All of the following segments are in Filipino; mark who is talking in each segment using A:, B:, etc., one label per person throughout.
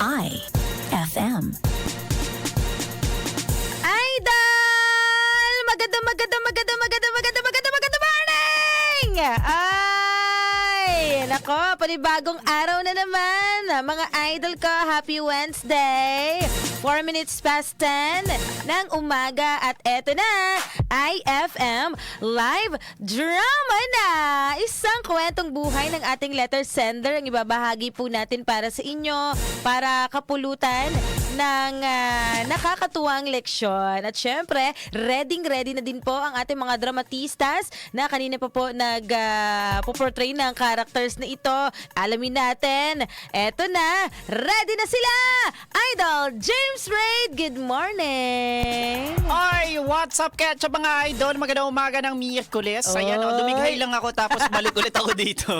A: IFM.
B: Idol! Maganda morning! Ay, nako, panibagong araw na naman. Mga idol ko, happy Wednesday. 4 minutes past 10 ng umaga at eto na, IFM Live Drama na! Isang kwentong buhay ng ating letter sender ang ibabahagi po natin para sa inyo, para kapulutan ng nakakatuwang leksyon. At syempre, ready na din po ang ating mga dramatistas na kanina pa po nag-portray ng characters na ito. Alamin natin, eto na, ready na sila! Idol James Raid, good morning!
C: Oy, what's up, Ketchup mga idol? Magandang umaga ng Miyerkules. Ayan, dumighay lang ako tapos balik ulit ako dito.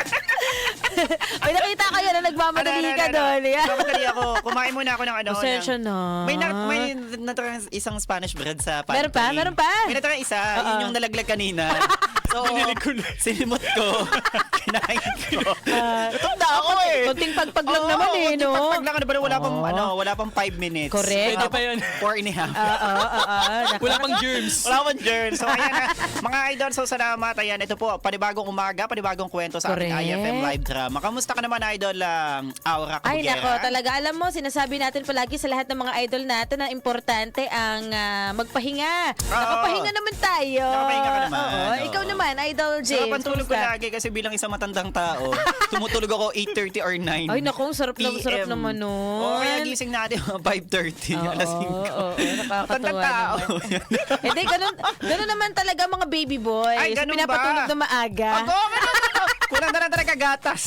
B: Ay, nakita ko yan na nagmamadali ka doon.
C: Nagmamadali ako. Kumain muna ako ng ano.
B: Pasensya na.
C: May natarang isang Spanish bread sa pantry.
B: Meron pa?
C: May natarang isa. Yun yung nalaglag kanina. So, sinimot ko. Kinain ko. Gutom na ako eh.
B: Kunting pagpag lang naman eh, no?
C: Pagpag lang, wala pang 5 minutes.
B: Correct.
D: Pwede pa yun.
C: 4 and a half.
D: Wala pang germs.
C: Wala pang germs. So, ayan na. Mga idol, so salamat. Ayan, ito po, panibagong umaga, panibagong kwento sa ating IFM Live Drama. Kamusta ka naman, idol, Aura Kabugera?
B: Ay, nako, talaga. Alam mo, sinasabi natin palagi sa lahat ng mga idol natin na importante ang magpahinga. Nakapahinga naman tayo.
C: Nakapahinga ka naman.
B: Oo. Ikaw naman, Idol James.
C: Sarap ang tulog ko lagi kasi bilang isang matandang tao, tumutulog ako 8:30 or 9.
B: Ay, naku, sarap naman nun.
C: Oo, kaya gising natin 5:30, alas 5.
B: Oo, nakakatawa
C: Matandang tao.
B: naman. Hindi, ganun naman talaga mga baby boys.
C: Ay, ganun
B: Pinapatulog
C: ba?
B: na maaga.
C: Kulang na lang talaga gatas.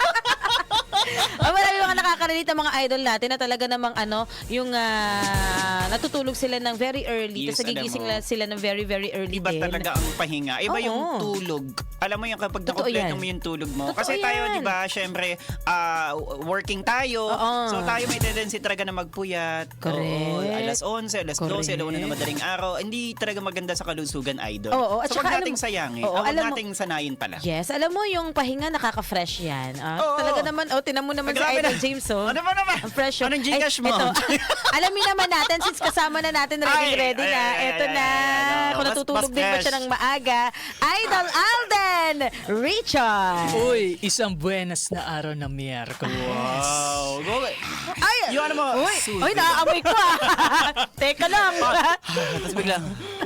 B: Marami mga nakaka-relate ang mga idol natin na talaga namang yung natutulog sila ng very early.
C: Yes,
B: Tapos nagigising
C: alam mo.
B: sila ng very, very early
C: Iba
B: din.
C: talaga ang pahinga. Iba
B: Oo.
C: yung tulog. Alam mo yung kapag
B: Totoo
C: nakompleto
B: yan.
C: mo yung tulog mo.
B: Totoo
C: Kasi tayo,
B: yan.
C: di ba, syempre, working tayo.
B: Oo.
C: So tayo may tendency talaga na magpuyat.
B: Correct.
C: Oo, alas 11, alas 12,
B: Correct.
C: alauna na madaling araw. Hindi talaga maganda sa kalusugan, idol.
B: Oo, at
C: so
B: saka
C: wag nating
B: alam-
C: sayangin.
B: Oo,
C: Wag
B: alam mo-
C: nating sanayin pala.
B: Yes, alam mo yung pahinga nakaka-fresh yan.
C: Oo.
B: Talaga naman, tinan mo naman si
C: Grabe
B: Idol
C: na.
B: James, oh.
C: Ano ba naman?
B: Ang fresh.
C: Anong Gcash mo?
B: Ito, alamin naman natin, since kasama na natin ready na. Ito na. Kung
C: Mas
B: natutulog din ba
C: fresh.
B: siya ng maaga. Idol Alden Richard.
D: Uy, isang buenas na araw na Miyerkules.
C: Wow. Go.
B: Ay,
C: Yung ano mo?
B: Uy, naaamoy ko Teka lang.
C: Tapos biglang,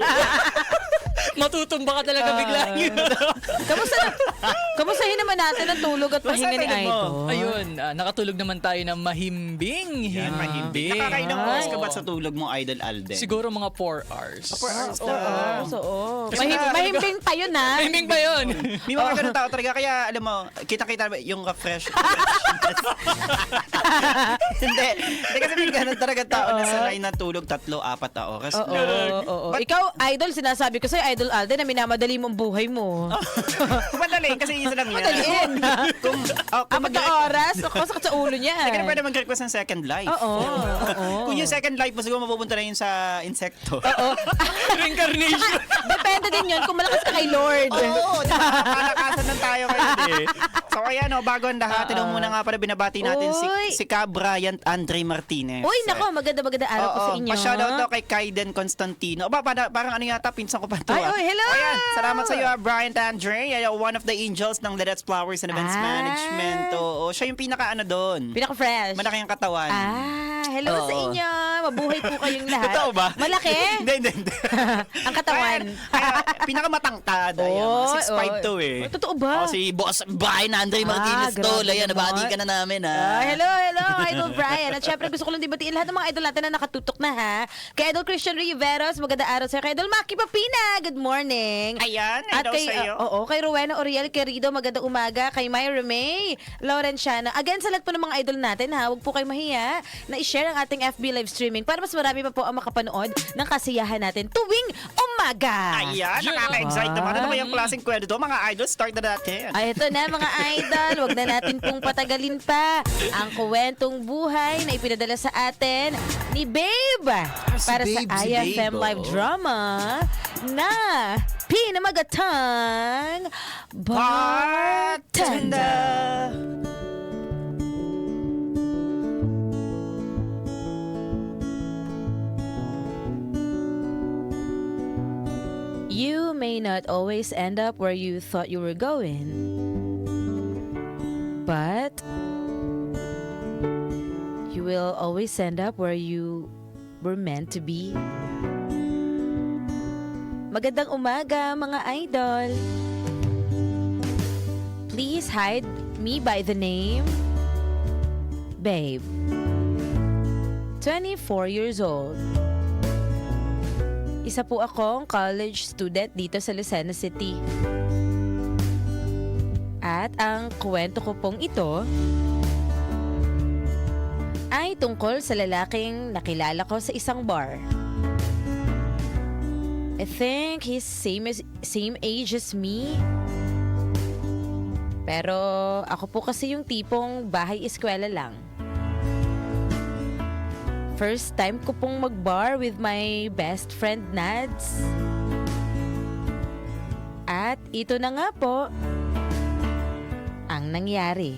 D: Matutumba ka talaga bigla.
B: Kamustahin naman natin ang tulog at pahinga ni
C: tulog mo?
B: Idol.
D: Ayun, nakatulog naman tayo ng mahimbing.
C: yan, mahimbing. Nakakailang oras ka ba sa tulog mo, Idol Alden?
D: Siguro mga 4 hours.
C: 4 hours
B: So, mahimbing pa yun, ha?
D: Mahimbing ba yun?
C: May mga ganun tao talaga. Kaya, alam mo, kita-kita yung fresh. Hindi kasi may ganun talaga tao na sanay na tulog 3-4 na oras.
B: Oo. Ikaw, Idol, sinasabi ko sa'yo, Idol Alden, na minamadali mo ang buhay mo.
C: Madali, kasi isa lang yan.
B: Madaliin.
C: Kung
B: Apat na oras, sakit sa ulo niya.
C: Hindi ka na pwede mag-request ng second life.
B: Oo.
C: Kung yung second life mo, siguro mapupunta na yun sa insekto.
D: Reincarnation.
B: Depende din yun kung malakas ka kay Lord.
C: Oo, di ba? Palakasan lang tayo kayo eh. So ayan o, bago ang lahat, tinong muna nga pala binabati natin
B: Uy.
C: si Ka Bryant Andre Martinez.
B: Uy, nako, maganda araw po sa inyo.
C: Pa-shoutout daw kay Kaiden Constantino. Parang ano yata, pinsan ko pa to.
B: Ay, hello!
C: Ayan, salamat sa iyo, Bryant Andre. One of the angels ng Let's Flowers and Events Management. Oo, siya yung pinaka-ano doon.
B: Pinaka-fresh.
C: Malaki ang katawan.
B: Hello
C: Oo.
B: sa inyo. Mabuhay po kayong lahat.
C: Totoo ba?
B: Malaki?
C: Hindi.
B: Ang katawan.
C: Pinakamatangkad. Ayan, 6'5" to eh.
B: Totoo ba?
C: Si Boss Brian Andre Martinez to.
B: grabe
C: Ayan,
B: naman.
C: nabati ka na namin
B: Hello, Idol Brian. At syempre, gusto ko lang dibatiin lahat ng mga idol natin na nakatutok na, ha? Kay Idol Christian Riveros, maganda araw sa'yo. Kay Idol Maki Papina, good morning.
C: Ayan,
B: At
C: hello
B: kay,
C: sa'yo.
B: kay Rowena Oriel Querido, magandang umaga. Kay Myra May Laurenciana. Again, sa lahat po ng mga idol natin, ha? Huwag po kayo mahiya na i-share ang ating FB live streaming para mas marami pa po ang makapanood ng kasiyahan natin tuwing umaga.
C: Ayan, nakaka-excite naman. Ano naman yung klaseng kwento to? Mga idol, start na natin.
B: Ay, ito na mga idol. Huwag na natin pong patagalin pa ang kwentong buhay na ipinadala sa atin ni Babe para
C: Babe,
B: sa
C: si
B: IFM
C: Babe,
B: Live Drama na pinamagatang Bartender. may not always end up where you thought you were going. But you will always end up where you were meant to be. Magandang umaga, mga idol. Please hide me by the name Babe. 24 years old. Isa po akong college student dito sa Lucena City. At ang kwento ko pong ito ay tungkol sa lalaking nakilala ko sa isang bar. I think he's same age as me. Pero ako po kasi yung tipong bahay-eskwela lang. First time ko pong mag-bar with my best friend Nads. At ito na nga po ang nangyari.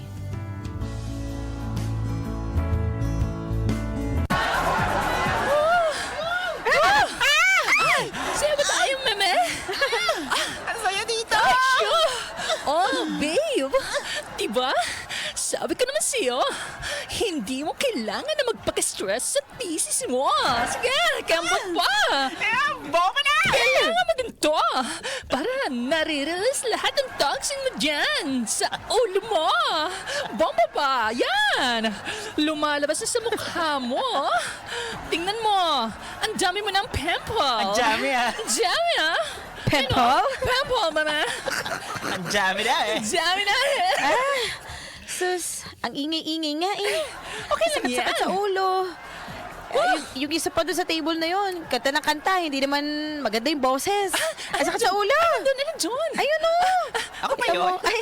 D: Sa'yo ba tayo, meme?
C: Ang saya dito!
D: Oh, babe! Diba? Sabi ko naman sa'yo, hindi mo kailangan na magpaka-stress sa thesis mo. Sige, kambot pa!
C: Bomba na!
D: Kailangan mo din to para nare-release lahat ng toxin mo dyan sa ulo mo. Bomba pa! Yan! Lumalabas na sa mukha mo. Tingnan mo, ang dami mo ng pimple.
C: Ang dami, ah.
D: Ang dami, ah.
B: Pimple?
D: Pimple, mama.
C: Ang dami na eh.
D: Ang dami na eh.
B: Sus, ang ingay-ingay nga eh.
D: Okay lang yan.
B: Sakit sa ulo. Yung isa pa doon sa table na yon, kanta ng kanta, hindi naman maganda yung boses. Ay, sakit sa ulo.
D: Doon na John.
B: Ayun o.
C: Ako pa yun?
B: Ay,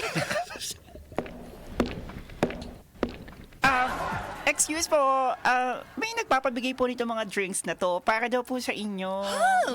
C: Excuse po, may nagpapabigay po nito mga drinks na to para daw po sa inyo.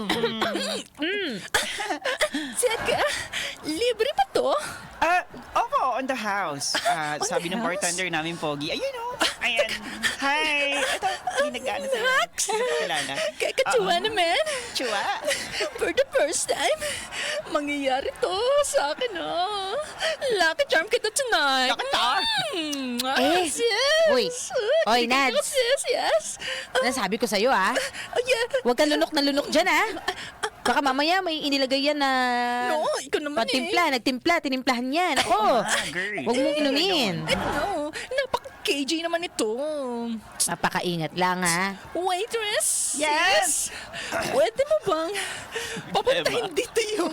D: Teka, libre pa to?
C: Opo, on the house. Sabi
D: the
C: ng
D: house?
C: bartender namin, Pogi. Ayun o. Ayan. Hi. Ito, hindi nag-ano sa'yo.
D: Max!
C: Kilala.
D: Kakatuwa naman.
C: Chua.
D: For the first time, mangyayari to sa akin, oh. Lucky charm kita tonight.
C: Lucky charm?
B: Eh,
D: yes.
B: uy. Oy,
D: Tignan ko,
B: Nads.
D: Yes, yes.
B: nasabi ko sa'yo ah.
D: Oh, yeah.
B: Huwag kang lunok na lunok dyan ah. Baka mamaya may inilagay yan na
D: No, ikaw naman
B: patimpla, nagtimpla, tinimplahan yan. Ako,
C: girl.
B: huwag mong inumin.
D: No, napaka-KJ naman ito.
B: Napakaingat lang ah.
D: Waitress?
C: Yes.
D: Pwede mo bang papuntahin dito yung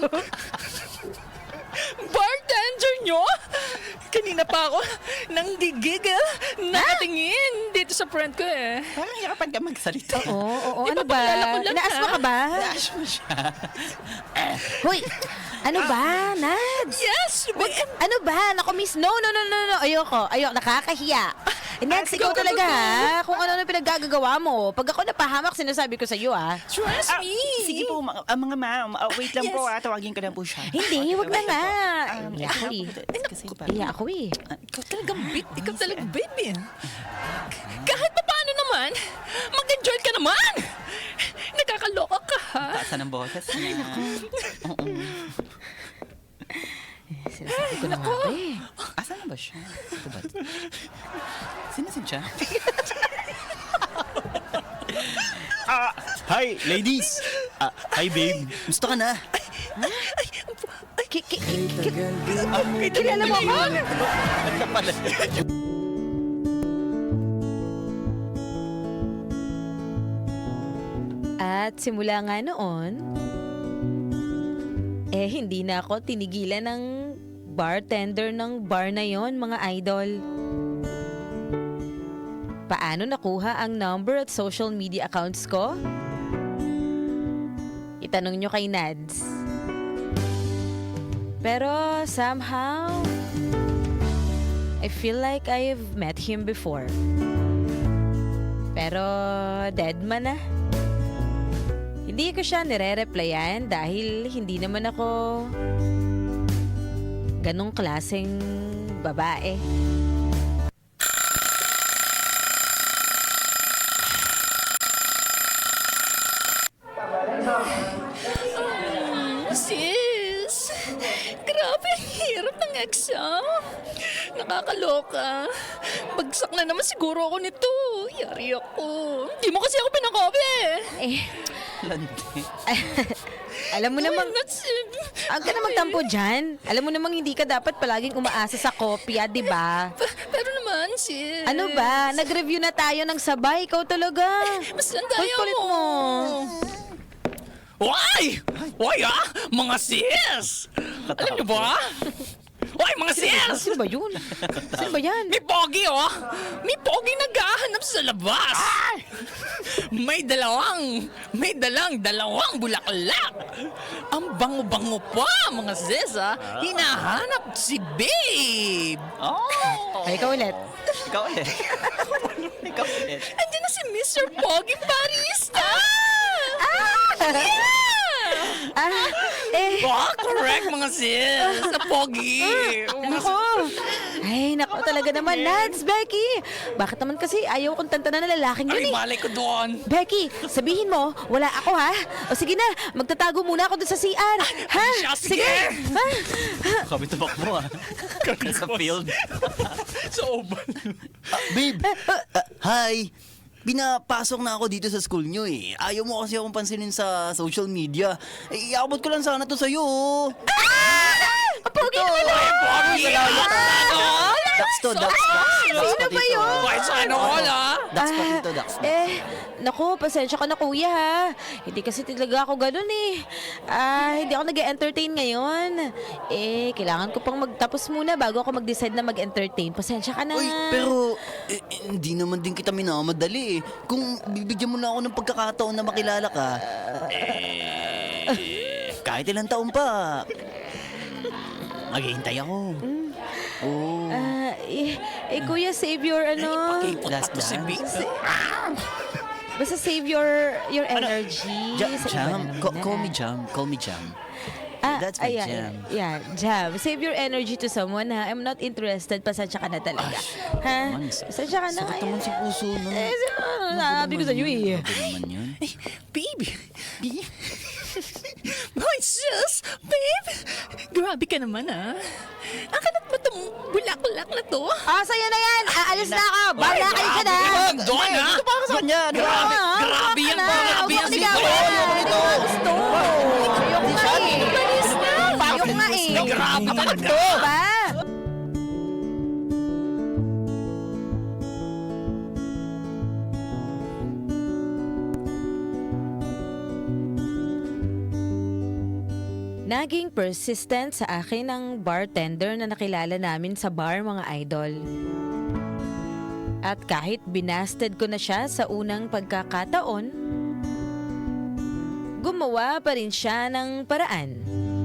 D: bartender nyo? Kanina pa ako nang gigigil, nakatingin dito sa friend ko eh.
C: Parang hirapan ka magsalita.
B: Oo,
D: Di
B: ano
D: ba,
B: ba?
D: pakilala ko lang,
B: Inaasma
D: ha?
B: ka ba?
C: Dash mo siya.
B: Hoy, ano ba, Nads?
D: Yes!
B: Ano ba? Naku, miss, no. Ayoko, nakakahiya. Nads,
D: sige,
B: ikaw
D: go,
B: talaga
D: go, go.
B: ha. Kung ano pinaggagawa mo. Pag ako napahamak, sinasabi ko sa'yo ha.
D: Trust me!
C: Sige po, mga ma'am. Wait lang
D: Yes.
C: po, tawagin ko lang po siya.
B: Hindi, wag na nga.
C: Ito
B: Ako
C: po,
B: eh.
C: kasi
B: Iya ako eh.
D: Ikaw talagang ikaw talagang baby. Kahit pa paano naman, mag-enjoy ka naman! Nakakaloka ka ha?
C: Taasan ng boses niya. Oo.
B: Sinasabi ko na nga ba eh.
C: Asan na ba siya? Ito ba? Sinasin siya?
A: Hi, ladies! Hi, babe. Gusto ka na?
B: Kilala mo ako? At simula nga noon, hindi na ako tinigilan ng bartender ng bar na yon, mga idol. Paano nakuha ang number at social media accounts ko? Itanong nyo kay Nads. Pero somehow, I feel like I've met him before. Pero dead man na. Hindi ko siya nire-replyan dahil hindi naman ako ganong klaseng babae.
D: Sis! ex, ha? Nakakaloka. Bagsak na naman siguro ako nito. Yari ako. Hindi mo kasi ako pinakopi.
B: Eh,
C: Landi.
B: alam mo namang,
D: Nuts.
B: huwag ka na magtampo dyan. Alam mo namang hindi ka dapat palaging umaasa sa kopya, di ba?
D: Pero naman, sis.
B: Ano ba? Nag-review na tayo ng sabay. Ikaw talaga.
D: Mas nandayo
B: Kulit
D: mo. Why? Why, ha? Mga sis! Alam niyo ba? Why, mga sis!
B: Sino ba yun? Sino ba yan?
D: May pogi, oh! May pogi naghahanap sa labas! May dalawang bulaklak! Ang bango-bango pa, mga sis, ha? Hinahanap si Babe!
C: Oh!
B: Ay, ikaw ulit.
C: Ikaw ulit. Ikaw ulit.
D: Andiyan na si Mr. Pogi Barista!
B: Ah, eh,
D: Oh, correct, mga sis! Sa Pogi!
B: nako. Ay, nako talaga naman. Nads, Becky. Bakit naman kasi ayaw kong tantanan na lalaking
D: Ay,
B: yun eh?
D: malay ko doon!
B: Becky, sabihin mo, wala ako ha? O sige na, magtatago muna ako dun sa CR. Ha?
D: siya, sige.
B: Ha?
C: Kami tabak mo ah. Sa field.
D: Sa oban.
A: Babe! Hi! Pinapasok na ako dito sa school nyo eh. Ayaw mo kasi akong pansinin sa social media. Eh, iabot ko lang sana to sa'yo.
B: Pogi naman
D: Ay, Pogi!
A: Dax to, Dax.
B: Sino ba yun?
D: Why, sana all, ha?
A: Dax pa dito, Dax.
B: Naku, pasensya ka na kuya ha. Hindi kasi talaga ako ganun eh. Hindi ako nag-entertain ngayon. Kailangan ko pang magtapos muna bago ako mag-decide na mag-entertain. Pasensya ka na.
A: Uy, pero hindi naman din kita minamadali eh. Kung bibigyan mo na ako ng pagkakataon na makilala ka, kahit ilang taon pa, maghihintay ako. Oh.
B: Kuya, save your ano.
A: Last
D: Si
A: dance.
D: Babe.
B: Basta save your energy.
A: Jam,
B: sa iba
A: Jam.
B: na naman
A: Call me
B: na.
A: Jam. Call me Jam. That's my jam.
B: Yeah, Jam. Save your energy to someone ha. I'm not interested. Pasensya ka na talaga. Ha?
A: naman.
B: Pasensya ka na.
A: Sakit naman sa puso nun.
B: Sabi ko sa'yo eh.
A: Grabe naman yun.
D: Babe! Hoy, sis! Babe! Grabe ka naman, ha? Ang kanat mo itong bulaklak na to?
B: Sa'yo na yan. Aalis na ako. Bahala kayo ka na.
D: Doon, ha?
C: Ito para sa kanya. Di ba?
D: Grabe yan, grabe yan si
B: Babe.
D: Babe!
B: Gusto. Ayoko nga eh.
D: Balis na!
B: Ayoko nga eh.
D: Grabe talaga!
B: Ba? Naging persistent sa akin ang bartender na nakilala namin sa bar, mga idol. At kahit binasted ko na siya sa unang pagkakataon, gumawa pa rin siya ng paraan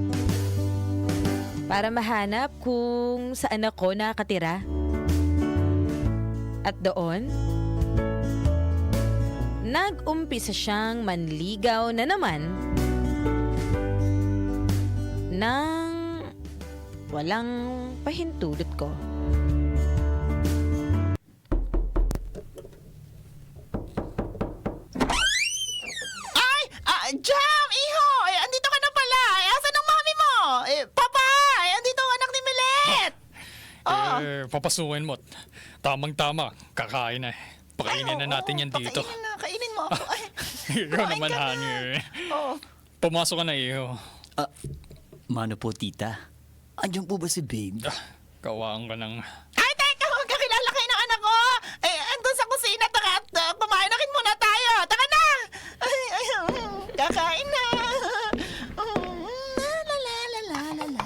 B: para mahanap kung saan ako nakatira. At doon, nag-umpisa siyang manligaw na naman nang walang pahintulot ko.
C: Jam! Iho! Andito ka na pala! Asan ang mami mo? Papa! Andito ang anak ni Milet!
E: Papasukin mo. Tamang-tama. Kakain na. Pakainin na natin yan dito.
C: Pakainin na. Kainin mo ako. Ay,
E: Ikaw
C: kumain
E: naman,
C: ka na.
E: honey.
C: Oo.
E: Pumasok ka na, iho.
A: Mano po, tita? Andiyan po ba si Babe?
E: Kawaan ka ng...
C: Ay, teka! Huwag kakilala kayo ng anak ko! Andun sa kusina. Taka, pamainakin muna tayo. Taka na! Ay, kakain na. La la la la la la.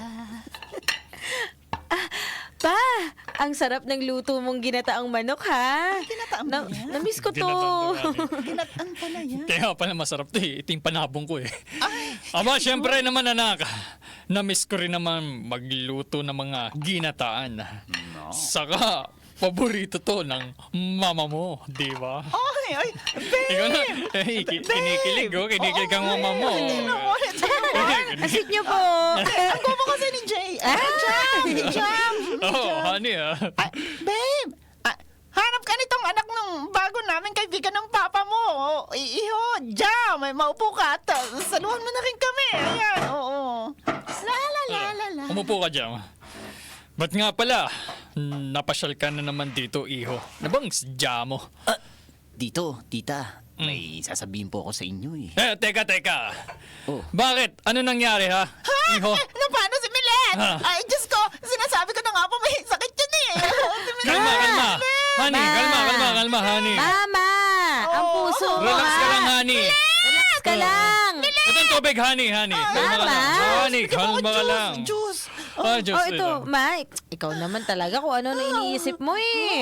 B: Pa, ang sarap ng luto mong ginataang manok, ha?
C: Ginataang ba yan?
B: Na-miss ko to.
C: Ginataan pala yan.
E: Kaya pala masarap to eh. Ito yung panabong ko eh. Aba, syempre naman anak. Na-miss ko rin naman magluto ng mga ginataan. Saka, paborito to ng mama mo, di ba?
C: Ay, babe!
E: Ikaw na, kinikilig oh. Kinikilig ang mama mo.
B: Ang sweet niyo po.
C: Ang gumo kasi ni Jay. Jam!
E: Oh, honey ah.
C: Babe! Hanap ka nitong anak ng bago namin kaibigan ng papa mo. Iho, Jam! May maupo ka at saluhan mo na rin kami. Ayan, oo. La la la la la.
E: Umupo ka dyan. Ba't nga pala, napasyal ka na naman dito, iho. Na bang sadya mo?
A: Dito, tita, may sasabihin po ako sa inyo eh.
E: Teka.
A: Oh.
E: Bakit? Ano nangyari, ha? Iho?
F: Ano paano si Milet?
E: Ha?
F: Ay, Diyos ko, sinasabi ko na nga po, may sakit yun eh. Si Milet.
E: Kalma. Honey, kalma, honey.
B: Mama! Ang puso mo,
E: Relax ka
B: ha?
E: lang, honey.
B: Relax ka lang!
E: Ito ang tubig, honey. Kalma ka lang. Honey, kalma ka lang.
F: Diyos.
E: Diyos,
B: Oh, ito, Ma, ikaw naman talaga kung ano na iniisip mo eh.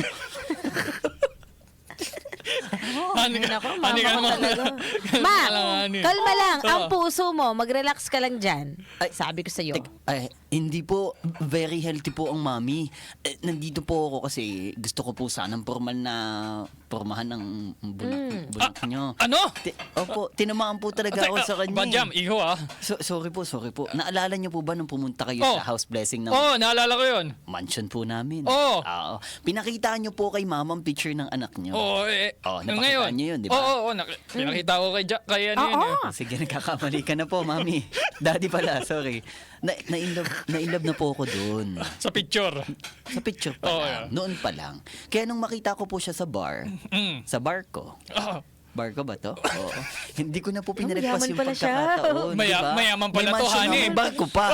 E: Honey,
B: Nako,
E: honey,
B: mama ko
E: kalma ka
B: talaga.
E: lang.
B: Ma,
E: Kalma ka lang, honey.
B: kalma lang. Ang
E: Oh.
B: puso mo, mag-relax ka lang dyan.
A: Ay,
B: Sabi ko sa'yo.
A: Ay, hindi po, very healthy po ang mami. Nandito po ako kasi gusto ko po sanang pormahan ng bunak nyo.
E: Ano?
A: Opo, tinamaan po talaga ako sa kanya.
E: Bajam, iho, ah.
A: Sorry po. Naalala niyo po ba nung pumunta kayo
E: Oh.
A: sa house blessing ng
E: Naalala ko yun.
A: mansion po namin?
E: Oh.
A: Oo. Pinakita niyo po kay mama ang picture ng anak niyo.
E: Napakita
A: napakita niyo yun, di ba?
E: Pinakita ko kay ano yun.
B: Oo.
A: Sige, nagkakamali ka na po, mami. Daddy pala, sorry. Na-inlove na po ako doon.
E: Sa picture.
A: Sa picture pa
E: Oo,
A: lang.
E: yeah.
A: Noon pa lang. Kaya nung makita ko po siya sa bar, sa bar ko,
E: Ah.
A: bar ko ba to? Oo. Hindi ko na po pinalagpas
B: mayaman
A: yung
B: pala siya.
A: pagkakataon. diba?
E: Mayaman pala
A: May
E: to,
A: mansion
E: honey.
A: ako, May bar ko pa.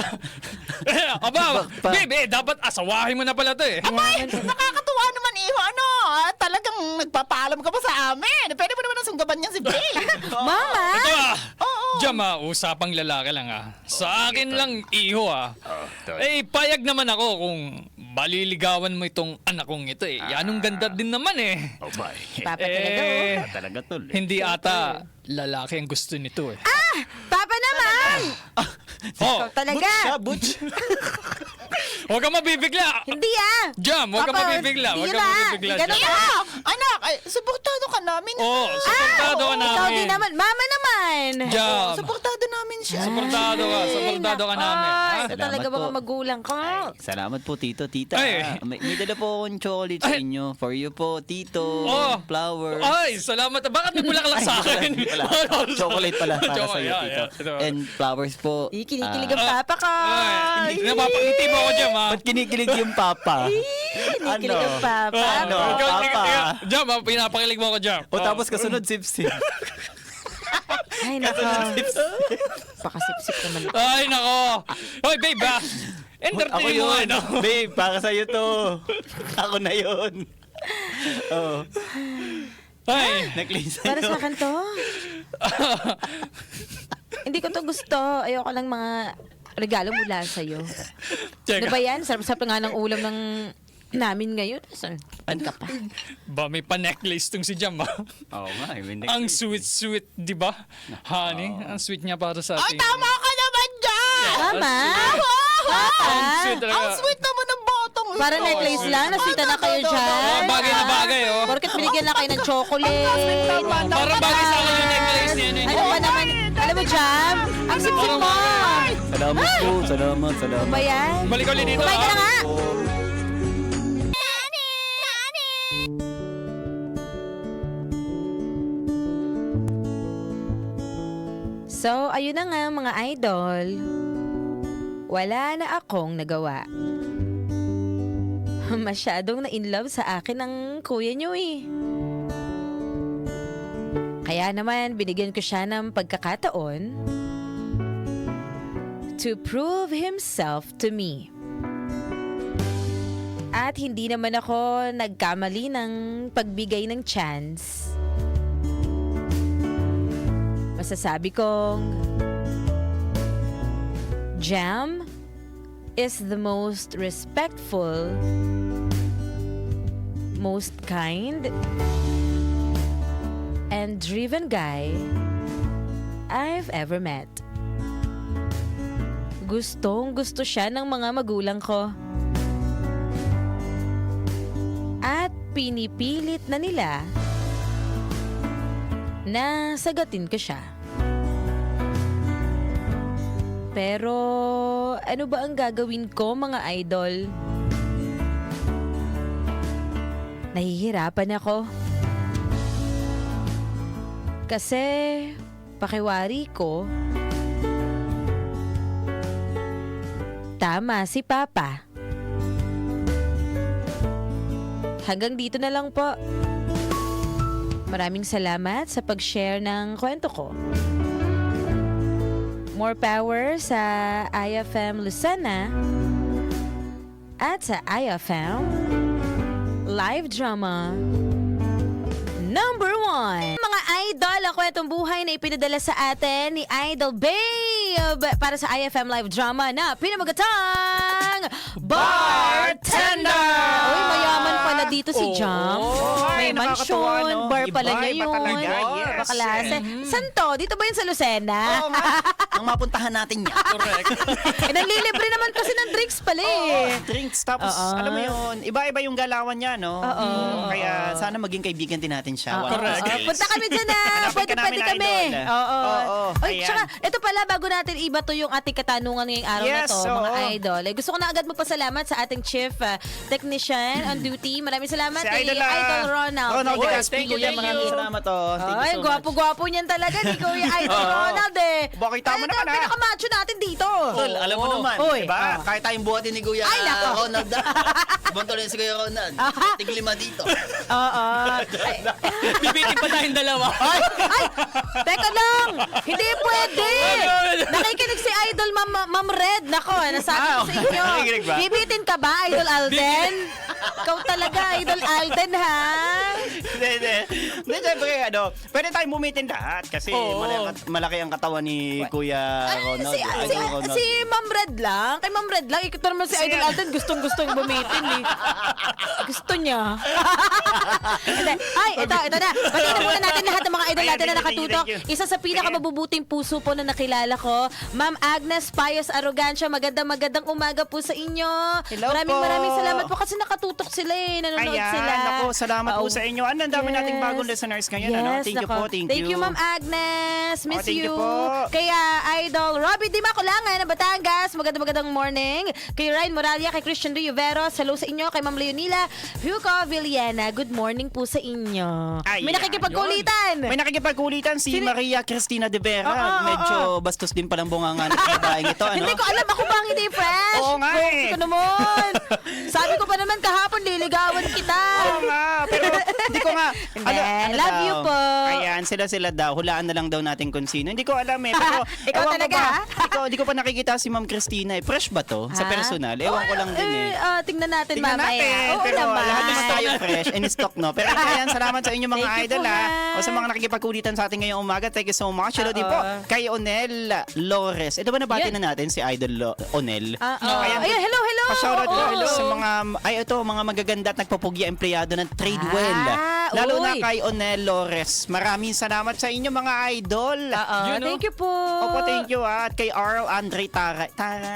E: Aba,
A: Pa.
E: babe, dapat asawahin mo na pala to eh.
F: Nakakatuwa naman, Iho. Ano? Talagang nagpapaalam ka pa sa amin. Pwede mo naman ang sunggaban niya si Bray.
B: Mama!
E: Ito Jam usapang lalaki lang Sa akin lang, iho payag naman ako kung baliligawan mo itong anak kong ito eh. Yanong ganda din naman eh.
A: Oh, bye.
B: Papa talaga, oh.
A: Talaga tol.
E: Hindi ata lalaki ang gusto nito eh.
B: Papa naman! Ikaw talaga.
A: Butch.
E: Huwag ka mabibigla!
B: Hindi ah!
E: Jam, huwag ka
B: Papa,
E: mabibigla. Huwag
B: hindi
E: ka
B: ba?
E: mabibigla,
B: Ganun
E: Jam.
B: ba?
F: Anak, suportado ka namin.
E: Suportado ka
B: Ikaw
E: namin.
B: din naman. Mama naman!
E: Jam,
F: Suportado namin siya.
E: suportado ka namin.
B: Ay, ito
A: Salamat
B: talaga
A: po.
B: mga magulang ko.
A: Salamat po, Tito, Tita.
E: Ay.
A: May dala po akong chocolate sa
E: Ay.
A: inyo. For you po, Tito.
E: Oh.
A: Flowers.
E: Ay, salamat. Bakit may bulaklak sa akin?
A: Chocolate pala para sa iyo,
E: Chocolate,
A: Tito.
E: ito.
A: And flowers po.
B: Kinikilig ang papa ko.
E: Ay, napapangiti mo ako, Jam,
A: Ba't kinikilig yung papa?
B: Kinikilig ang papa.
A: Ano? Papa.
E: Jam, pinapakilig mo ako, Jam.
A: O tapos kasunod, sip-sip.
B: Ay, nako. Pakasip-sip naman.
E: Ay, nako. Hoy, babe,
A: Ako
E: entertain mo,
A: yun.
E: ano?
A: Babe, para sa'yo to. Ako na yun. Oh,
E: Ay,
A: necklace
B: Para sa
A: sa'yo.
B: akin to. Hindi ko to gusto. Ayoko lang mga regalo mula sa'yo. Ano ba
E: teka.
B: yan? Sarap-sarap nga ng ulam ng namin ngayon. Ano ka pa?
E: Ba, may pa-necklace tong si Jam,
A: Oo nga, may
E: Ang
A: necklace.
E: sweet-sweet, di ba? Honey, ang sweet niya para sa
F: Ay,
E: atin.
F: tama ka naman dyan!
B: Mama!
E: Ang sweet
B: Papa!
E: talaga.
F: Ang sweet naman ng botong ito.
B: Para necklace lang, nasita na kayo dyan.
E: Bagay na bagay, oh.
B: Porket binigyan na kayo ng chocolate.
E: Parang bagay sa akin yung necklace niya.
B: Ano ba naman? Alam mo, Jam? Ang sip-sip mo.
A: Salamat po, salamat.
B: Ano ba yan?
E: Balik ulit dito,
B: Kumain ka na nga. So, ayun na nga mga idol. Wala na akong nagawa. Masyadong na-inlove sa akin ang kuya niyo eh. Kaya naman, binigyan ko siya ng pagkakataon to prove himself to me. At hindi naman ako nagkamali ng pagbigay ng chance. Masasabi kong Jam is the most respectful, most kind, and driven guy I've ever met. Gustong-gusto siya ng mga magulang ko. At pinipilit na nila na sagatin ko siya. Pero ano ba ang gagawin ko mga idol? Nahihirapan ako. Kasi pakiwari ko, tama si Papa. hanggang dito na lang po. Maraming salamat sa pag-share ng kwento ko. More power sa IFM Lucena at sa IFM Live Drama number 1. Mga idol, ang kwentong buhay na ipinadala sa atin ni Idol Babe para sa IFM Live Drama na pinamagatang Bartender! Uy, mayaman pala dito si Jam. May
C: Ay, nakakatuwa,
B: mansyon,
C: no?
B: bar pala
C: Iba,
B: niya
C: iba
B: yun.
C: talaga, yes.
B: Bakalase. Saan to? Dito ba yun sa Lucena?
A: Oo nga. Ang mapuntahan natin yan.
E: Correct.
B: Nanlilibre naman kasi ng drinks pala eh.
C: Drinks, tapos
B: Oo.
C: alam mo yun, iba-iba yung galawan niya, no?
B: Oo.
C: Kaya sana maging kaibigan din natin siya.
B: Oo,
C: One of these
B: oo.
C: days.
B: Punta kami dyan na.
C: Hanapin
B: Pwede
C: ka namin,
B: kami.
C: Idol.
B: Oo.
C: Oo,
B: Ay,
C: ayan.
B: tsaka, ito pala, bago natin iba to yung ating katanungan ngayong araw na
C: Yes,
B: to, mga
C: oo.
B: idol. Eh, gusto ko na agad magpasalamat sa ating chief technician on duty. Maraming salamat
C: Si
B: kay
C: Idol,
B: Idol Ronald.
C: Ronald
E: Oy,
C: de
E: thank you,
C: Castillo,
E: thank
C: maraming
E: you.
C: salamat, oh. Thank you
B: Ay,
C: so much.
B: gwapo-gwapo niyan talaga ni Kuya Idol
C: Oo.
B: Ronald eh.
C: Bakit tama
B: Ay,
C: naman, ah.
B: pinaka-macho natin dito.
A: Tol, alam mo naman,
B: Oy.
A: diba? Kahit tayong buhatin ni Kuya
B: Ay, nako.
A: Ronald. Ibang tuloy si Kuya Ronald. Tiglima dito.
B: Oo. Ay,
E: Bibitin pa tayong dalawa.
B: ay, teka lang. Hindi pwede. Nakikinig si Idol Ma'am Red. Nako, nasabi ko sa inyo.
C: Nakikinig ba?
B: Bibitin ka ba, Idol Alden? Ikaw talaga, Idol Alden, ha?
C: Hindi. Hindi, syempre, pwede tayong bumitin lahat kasi malaki ang katawan ni Kuya Ronald.
B: Si Ma'am Red lang. Kay Ma'am Red lang. Ikot naman si Idol Alden. Gustong-gustong bumitin, eh. Gusto niya. Hindi. Ay, ito na. Batiin na muna natin lahat ng mga idol
C: Ayan,
B: natin na
C: thank you,
B: nakatutok.
C: thank you.
B: Isa sa pinakamabubuting puso po na nakilala ko, Ma'am Agnes Payos Arrogancia. Magandang umaga po sa inyo.
C: Hello
B: maraming
C: po.
B: maraming salamat po kasi nakatutok sila eh. Nanonood
C: Ayan,
B: sila.
C: ako, salamat po
B: Oo.
C: sa inyo. Ang dami nating bagong listeners ngayon. Thank you
B: nako.
C: po, thank you.
B: Ma'am Agnes. Miss
C: thank you
B: you.
C: po.
B: Kaya Idol Robbie Di Maculangan ng Batangas. Magandang morning. Kay Ryan Moralia, kay Christian Riveros. Hello sa inyo. Kay Ma'am Leonila Hugo Villena. Good morning po sa inyo.
C: Ayan,
B: May nakikipagkulitan.
C: May nakikipagkulitan si Maria Cristina de Vera.
B: Oo.
C: Medyo bastos din palang bunganga ng babaeng ito. Ano?
B: Hindi ko alam. Ako ba ang hindi fresh?
C: Oo nga eh.
B: Hindi ko naman. Sabi ko pa naman kahapon, liligawan kita.
C: Oo nga, pero hindi ko nga.
B: Hindi, love you po.
C: Ayan, sila daw. Hulaan na lang daw natin kung sino. Hindi ko alam eh. Pero,
B: Ikaw
C: ewan ko
B: talaga,
C: ba,
B: ha?
C: Hindi ko pa nakikita si Ma'am Christina eh. Fresh ba to? Sa
B: Ha?
C: personal? Ewan ko lang din eh.
B: Tingnan natin
C: Tingnan
B: mamaya.
C: natin,
B: Oo
C: pero
B: naman.
C: lahat naman tayo fresh and stock, no? Pero ayan, salamat sa inyo mga
B: Thank you
C: idol,
B: po,
C: ha?
B: ma'am.
C: O sa mga nakikipagkulitan sa atin ngayong umaga, thank you so much. Hello
B: Oo.
C: din po kay Onel Lores. Ito ba nabati
B: Yan.
C: na natin si Idol Onel?
B: Ayan, hello.
C: Pa-shoutout
B: Oo.
C: ko sa mga magaganda at nagpapugya empleyado ng Tradewell.
B: Ah,
C: Lalo na
B: uy.
C: kay Onel Lores. Maraming salamat sa inyo mga idol.
E: You know?
B: Thank you po.
C: Opo, thank you. At kay Arl Andre Taray.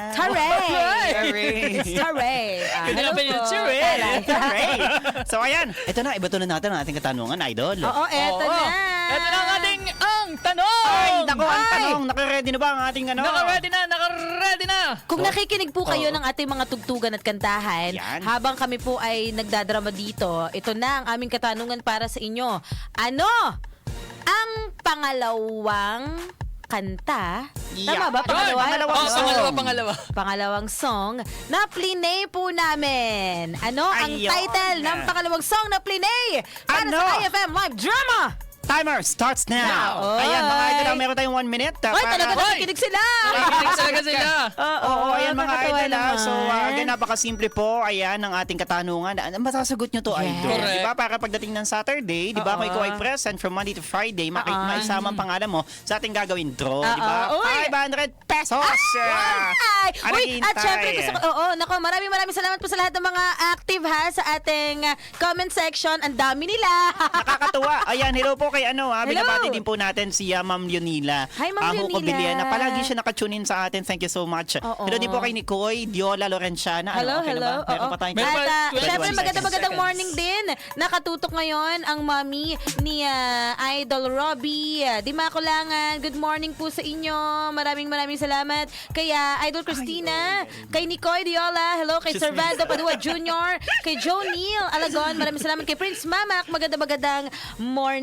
B: Taray! Taray!
E: Ganda
B: Hello
E: na ba yun?
B: po.
E: Taray.
B: Taray.
C: Taray. So ayan, ito na, iba to na natin ang ating katanungan, idol.
B: Oo, eto
E: Oo.
B: na.
E: Ito na ang ating tanong!
C: Ay, naku, ang
B: Ay.
C: tanong, naka-ready na ba ang ating ano?
E: Naka-ready na!
B: Kung nakikinig po kayo
C: Oo.
B: ng ating mga tugtugan at kantahan,
C: Yan.
B: habang kami po ay nagdadrama dito, ito na ang aming katanungan para sa inyo. Ano ang pangalawang kanta? Tama ba?
C: Yun, pangalawang
E: Oh,
C: song.
B: Pangalawang song na plinay po namin. Ano ang
C: Ayun.
B: title ng pangalawang song na plinay para
C: Ano?
B: sa IFM Live Drama?
C: Timer starts now.
B: Oy.
C: Ayan, mga idol, meron tayong 1 minute.
B: Ay, talaga nakikinig sila!
E: Nakikinig talaga sila.
C: Oo, ayan mga
B: nakakatawa
C: idol.
B: naman.
C: So, again, napakasimple po. Ayan, ang ating katanungan. Masasagot nyo to,
B: Yes.
C: idol.
E: Correct.
C: Di ba? Para pagdating ng Saturday, di ba? Kung ikaw ay present from Monday to Friday, maisama ang pangalan mo sa ating gagawin draw. Di ba?
B: Uy.
C: 500 pesos!
B: Ay!
C: Ano
B: Uy, at
C: naghihintay?
B: syempre gusto ko, nako, maraming salamat po sa lahat ng mga active ha sa ating comment section. Ang dami nila.
C: Nakakatuwa. Ayan, hello po kay
B: Hello.
C: binabati din po natin si Ma'am Leonila.
B: Hi, Ma'am
C: Hugo
B: Leonila.
C: Villena. Palagi siya nakatune in sa atin. Thank you so much.
B: Oo.
C: Hello din po kay Nicoy, Diola Lorenciana.
B: Hello,
C: okay
B: hello.
C: Na ba? Meron pa tayong
E: Meron
B: At
E: pa, 21
B: syempre
E: seconds.
B: magandang morning din. Nakatutok ngayon ang mami ni Idol Robbie. Di Maculangan. Good morning po sa inyo. Maraming salamat. Kay Idol Christina, kay Nicoy Diola, hello kay Servando Padua Jr., kay Joe Neal Alagon. Maraming salamat kay Prince Mamak. Magandang morning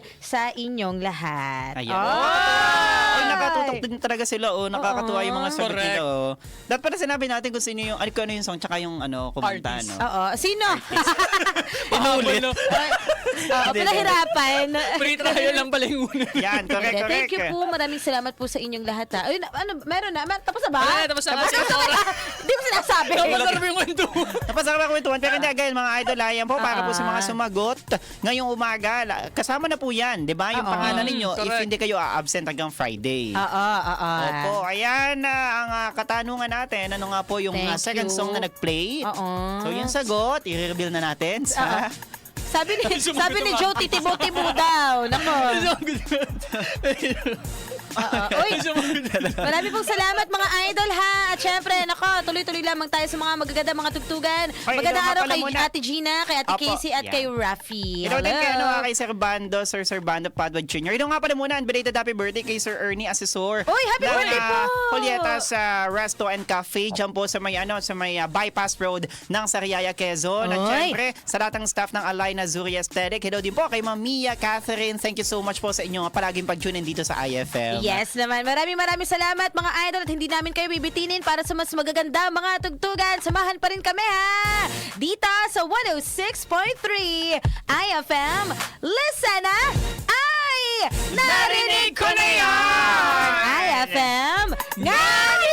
B: sa inyong lahat.
C: Ayan.
B: Ay!
C: Ay, nakatutok din talaga sila. Nakakatuwa yung mga sagot
E: Correct.
C: nila. Dapat pala sinabi natin kung sino yung, kung ano yung song, tsaka yung kumanta.
E: Artist.
C: No?
B: Oo. Sino?
E: Pahabol, no?
B: Oo, pinahirapan.
E: Free trial lang pala yung una.
C: Yan, correct,
B: Hindi,
C: correct.
B: thank you po. Maraming salamat po sa inyong lahat. Ha. Ay, meron na. Tapos na ba?
E: Wala, tapos na.
B: Hindi ko sinasabi.
E: Masarap yung kwento.
C: Napasarap ako kwentuhan. Pero hindi, again, mga idol, ayan po, para po sa mga sumagot ngayong umaga. Kasama na po yan, di ba? Yung pangalan ninyo, if
E: correct.
C: hindi kayo absent hanggang Friday.
B: Oo.
C: Opo, ayan ang katanungan natin. Ano nga po yung
B: Thank
C: second
B: you.
C: song na nag-play?
B: Oo.
C: So yung sagot, i-reveal na natin sa...
B: Sabi ni Joe, titibo-tibo daw. Nako. Uy, marami pong salamat mga idol ha. At syempre, nako, tuloy-tuloy lamang tayo sa mga magaganda mga tugtugan.
C: Ay,
B: Magandang
C: ikaw nga
B: araw
C: pala
B: kay
C: muna.
B: Ate Gina, kay Ate
C: Opo,
B: Casey at
C: yan.
B: kay Rafi.
C: Ito din kay,
B: Hello.
C: kay Sir Bando Padua Jr. Ito nga pala muna, belated happy birthday kay Sir Ernie Asesor.
B: Uy, happy
C: ng,
B: birthday po!
C: Julieta sa Resto and Cafe, dyan po sa may, bypass road ng Sariaya, Quezon. At
B: Uy.
C: syempre, sa lahat ng staff ng Alina Zuri Aesthetic. Hello din po kay Ma'am Mia Catherine. Thank you so much po sa inyong palaging pag-tune in dito sa IFM.
B: Yes naman. Maraming salamat mga idol at hindi namin kayo bibitinin para sa mas magaganda mga tugtugan. Samahan pa rin kami ha. Dito sa 106.3 IFM. Listen na! Ay! Narinig ko na yan! IFM! Ngayon!